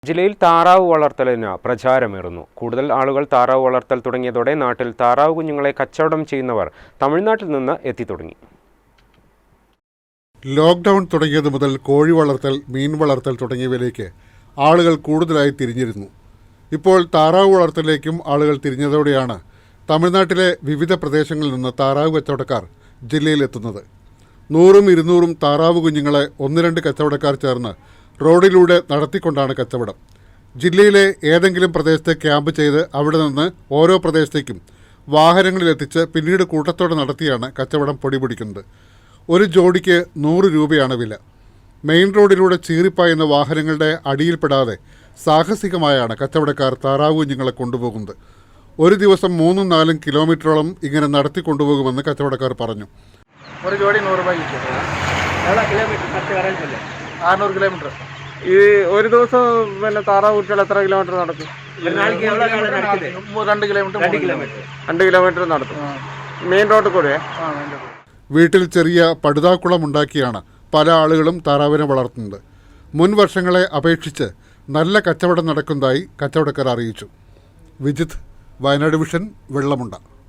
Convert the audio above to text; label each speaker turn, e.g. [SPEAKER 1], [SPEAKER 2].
[SPEAKER 1] ജില്ലയിൽ താറാവ് വളർത്തലിന് പ്രചാരമേറുന്നു. കൂടുതൽ ആളുകൾ താറാവ് വളർത്തൽ തുടങ്ങിയതോടെ നാട്ടിൽ താറാവ് കുഞ്ഞുങ്ങളെ കച്ചവടം ചെയ്യുന്നവർ തമിഴ്നാട്ടിൽ നിന്ന് എത്തിത്തുടങ്ങി.
[SPEAKER 2] ലോക്ക്ഡൌൺ തുടങ്ങിയത് മുതൽ കോഴി വളർത്തൽ, മീൻ വളർത്തൽ തുടങ്ങിയവയിലേക്ക് ആളുകൾ കൂടുതലായി തിരിഞ്ഞിരുന്നു. ഇപ്പോൾ താറാവ് വളർത്തലിലേക്കും ആളുകൾ തിരിഞ്ഞതോടെയാണ് തമിഴ്നാട്ടിലെ വിവിധ പ്രദേശങ്ങളിൽ നിന്ന് താറാവ് കച്ചവടക്കാർ ജില്ലയിലെത്തുന്നത്. 100-200 താറാവ് കുഞ്ഞുങ്ങളെ 1-2 കച്ചവടക്കാർ ചേർന്ന് റോഡിലൂടെ നടത്തിക്കൊണ്ടാണ് കച്ചവടം. ജില്ലയിലെ ഏതെങ്കിലും പ്രദേശത്ത് ക്യാമ്പ് ചെയ്ത് അവിടെ നിന്ന് ഓരോ പ്രദേശത്തേക്കും വാഹനങ്ങളിലെത്തിച്ച് പിന്നീട് കൂട്ടത്തോടെ നടത്തിയാണ് കച്ചവടം പൊടിപിടിക്കുന്നത്. ഒരു ജോഡിക്ക് 100 രൂപയാണ് വില. മെയിൻ റോഡിലൂടെ ചീറിപ്പായുന്ന വാഹനങ്ങളുടെ അടിയിൽപ്പെടാതെ സാഹസികമായാണ് കച്ചവടക്കാർ താറാവ് കുഞ്ഞുങ്ങളെ കൊണ്ടുപോകുന്നത്. ഒരു ദിവസം 3-4 കിലോമീറ്ററോളം ഇങ്ങനെ നടത്തി കൊണ്ടുപോകുമെന്ന് കച്ചവടക്കാർ പറഞ്ഞു.
[SPEAKER 3] ഒരു ജോഡി 100 രൂപയ്ക്ക് 600 കിലോമീറ്റർ.
[SPEAKER 1] ഈ ഒരു ദിവസം പിന്നെ താറാവ് കുട്ടികൾ എത്ര കിലോമീറ്റർ നടക്കും?
[SPEAKER 3] 2
[SPEAKER 1] കിലോമീറ്റർ നടത്തും. മെയിൻ റോഡിൽ കൂടെ.
[SPEAKER 2] വീട്ടിൽ ചെറിയ പടുതാക്കുളം ഉണ്ടാക്കിയാണ് പല ആളുകളും താറാവിനെ വളർത്തുന്നത്. മുൻ വർഷങ്ങളെ അപേക്ഷിച്ച് നല്ല കച്ചവടം നടക്കുന്നതായി കച്ചവടക്കാർ അറിയിച്ചു. വിജിത്ത്, വയനാട് വിഷൻ, വെള്ളമുണ്ട.